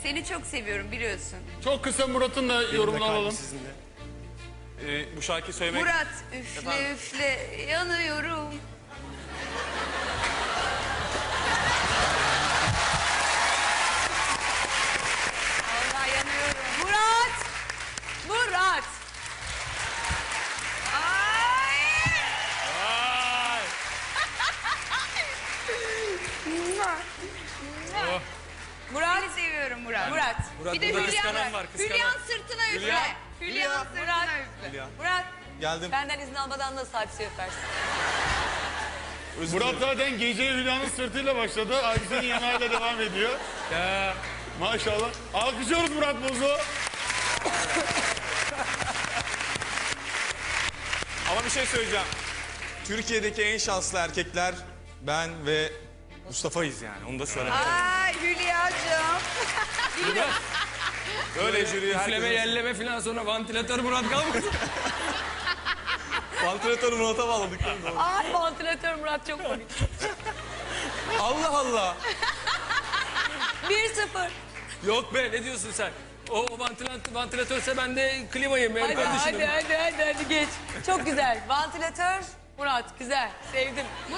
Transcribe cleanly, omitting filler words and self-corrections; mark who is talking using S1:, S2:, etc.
S1: Seni çok seviyorum biliyorsun.
S2: Çok kısa Murat'ın da yorumunu alalım.
S3: Sizinle. Bu şarkıyı söylemek...
S1: Murat üfle
S3: Efendim?
S1: üfle yanıyorum. Vallahi yanıyorum.
S4: Murat! Murat!
S1: Ay!
S3: Vay!
S4: Murat!
S1: Seni seviyorum Murat.
S4: Murat!
S1: Bir de
S3: burada
S1: Hülya
S3: kıskanan var, kıskanan.
S1: Hülya'nın sırtına üfle.
S3: Hülya.
S1: Hülya'nın sırtına
S4: Murat.
S1: üfle.
S3: Hülya.
S4: Murat!
S3: Geldim.
S4: Benden izin almadan nasıl hadise öpersin?
S2: Murat zaten geceye Hülya'nın sırtıyla başladı. Hadisenin yanağıyla devam ediyor.
S3: Ya.
S2: Maşallah. Alkışlıyoruz Murat Boz'u.
S3: Ama bir şey söyleyeceğim. Türkiye'deki en şanslı erkekler ben ve Mustafa'yız yani. Onu da söylemek lazım.
S1: Ay Hülya'cığım.
S3: Öyle jüri
S5: Üfleme,
S3: herkesin...
S5: yelleme falan sonra vantilatör Murat kalmadı.
S3: Vantilatörü Murat'a bağladık. değil mi?
S4: Ay vantilatör Murat çok komik.
S3: Allah Allah.
S4: 1-0.
S5: Yok be, ne diyorsun sen? O vantilatörse ben de klimayım. Benim
S4: Hadi
S5: kardeşim.
S4: hadi geç. Çok güzel. Vantilatör Murat güzel. Sevdim.